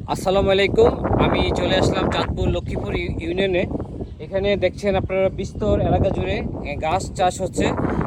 আসসালামু আলাইকুম। আমি চলে আসলাম চাঁদপুর লক্ষ্মীপুর ইউনিয়নে। এখানে দেখছেন আপনারা বিস্তর এলাকা জুড়ে গাছ চাষ হচ্ছে।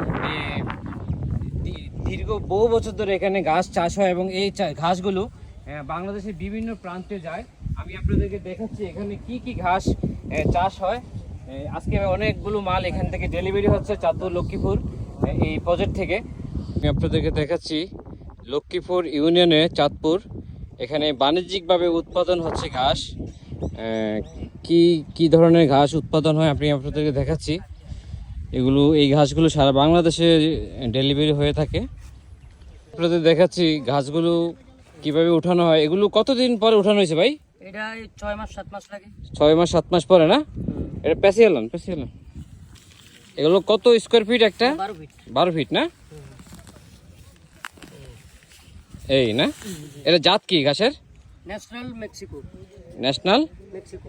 দীর্ঘ বহু বছর ধরে এখানে গাছ চাষ হয় এবং এই ঘাসগুলো বাংলাদেশের বিভিন্ন প্রান্তে যায়। আমি আপনাদেরকে দেখাচ্ছি এখানে কি কি ঘাস চাষ হয়। আজকে অনেকগুলো মাল এখান থেকে ডেলিভারি হচ্ছে চাঁদপুর লক্ষ্মীপুর এই প্রজেক্ট থেকে। আমি আপনাদেরকে দেখাচ্ছি লক্ষ্মীপুর ইউনিয়নে চাঁদপুর। এখানে বাণিজ্যিকভাবে উৎপাদন হচ্ছে ঘাস। কি কি ধরনের ঘাস উৎপাদন হয় আমি আপনাদেরকে দেখাচ্ছি। এই ঘাসগুলো সারা বাংলাদেশে ডেলিভারি হয়ে থাকে। আপনাদের দেখাচ্ছি ঘাসগুলো কিভাবে উঠানো হয়। এগুলো কতদিন পরে উঠানো হয়েছে ভাই? এটা 6 মাস 7 মাস লাগে। 6 মাস 7 মাস পরে না? এটা পেঁচিয়ে এলাম। এগুলো কত স্কোয়ার ফিট একটা? 12 ফিট। 12 ফিট না? এই না, এটা জাত কি ঘাসের? National Mexico. National Mexico.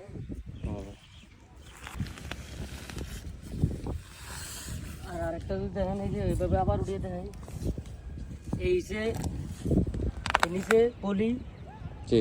আর আরেকটা যদি দেখেন, এই যে এইভাবে আবার উঠিয়ে দেখেন, এই যে নিচে পলি। জি।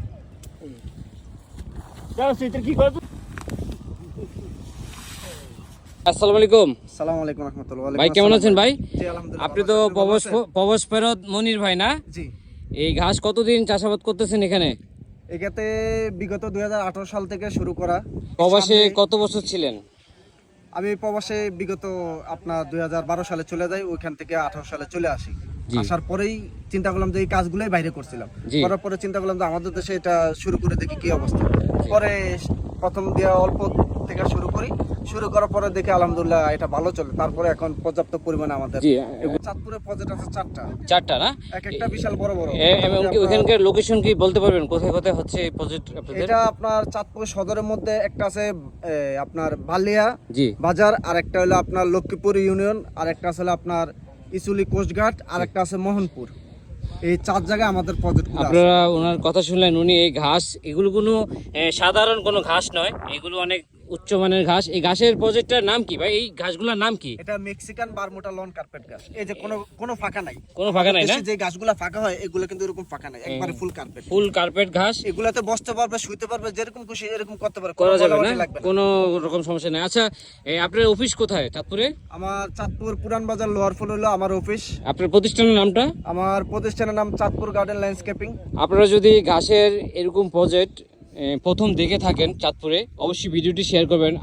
আসসালামু আলাইকুম। আসসালামু আলাইকুম রাহমাতুল্লাহ। ভাই কেমন আছেন ভাই? জি আলহামদুলিল্লাহ। আপনি তো প্রবাস ফেরত মনির ভাই না? জি। এই ঘাস কতদিন চাষাবাদ করতেছেন এখানে? এখানে বিগত 2018 সাল থেকে শুরু করা। প্রবাসে কত বছর ছিলেন? আমি প্রবাসে বিগত আপনার 2012 সালে চলে যাই, ওইখান থেকে 18 সালে চলে আসি। আসার পরেই চিন্তা করলাম যে এই কাজগুলোই বাইরে করছিলাম। করার পরে চিন্তা করলাম যে আমাদের দেশে এটা শুরু করে দেখি কি অবস্থা। পরে প্রথম দিয়ে অল্প থেকে শুরু করার পরে দেখে আলহামদুলিল্লাহ এটা ভালো চলে। তারপরে এখন পর্যাপ্ত পরিমাণে আমাদের চাঁদপুরে প্রজেক্ট আছে চারটা না? এক একটা বিশাল বড় এবং কি ওখানকার লোকেশন কি বলতে পারবেন কোথায় কোথায় হচ্ছে এই প্রজেক্ট আপনাদের? এটা আপনার চাঁদপুর সদরের মধ্যে একটা আছে আপনার বালিয়া বাজার, আর একটা হলো আপনার লক্ষ্মীপুর ইউনিয়ন, আর একটা আছে আপনার ইসুলি কোস্টঘাট, আর একটা আছে মোহনপুর। এই 4 জায়গায় আমাদের প্রজেক্ট। আপনারা ওনার কথা শুনলেন, উনি এই ঘাস এগুলো কোনো সাধারণ কোনো ঘাস নয়, এগুলো অনেক উচ্চমানের ঘাস। এই ঘাসের প্রজেক্টটার নাম কি ভাই? এই ঘাসগুলোর নাম কি? এটা মেক্সিকান বারমুডা লন কার্পেট ঘাস। এই যে কোনো ফাঁকা নাই, না? যে গাছগুলা ফাঁকা হয় এগুলো কিন্তু এরকম ফাঁকা নাই, একবারে ফুল কার্পেট ঘাস। এগুলাতে বসতে পারবে, শুইতে পারবে, যেরকম খুশি এরকম করতে পারবে, করা যাবে না, কোনো রকম সমস্যা নেই। আচ্ছা, আপনার অফিস কোথায় চাঁদপুরে? আমার চাঁদপুর পুরান বাজার লোহার ফুল হলো আমার অফিস। আপনার প্রতিষ্ঠানের নামটা? আমার প্রতিষ্ঠানের নাম চাঁদপুর গার্ডেন ল্যান্ডস্কেপিং। আপনারা যদি ঘাসের এরকম প্রজেক্ট প্রথম দেখে থাকেন চাঁদপুরে, অবশ্যই ভিডিওটি শেয়ার করবেন।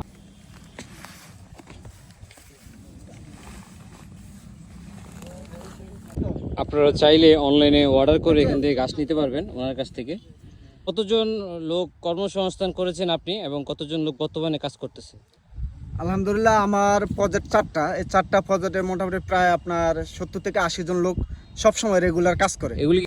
আপনারা চাইলে অনলাইনে অর্ডার করে এখান থেকে ঘাস নিতে পারবেন ওনার কাছ থেকে। কতজন লোক কর্মসংস্থান করেছেন আপনি এবং কতজন লোক বর্তমানে কাজ করতেছে? আলহামদুলিল্লাহ আমার প্রজেক্ট 4টা। এই 4টা প্রজেক্টে মোটামুটি প্রায় আপনার 70 থেকে 80 জন লোক সবসময় রেগুলার কাজ করে। এগুলি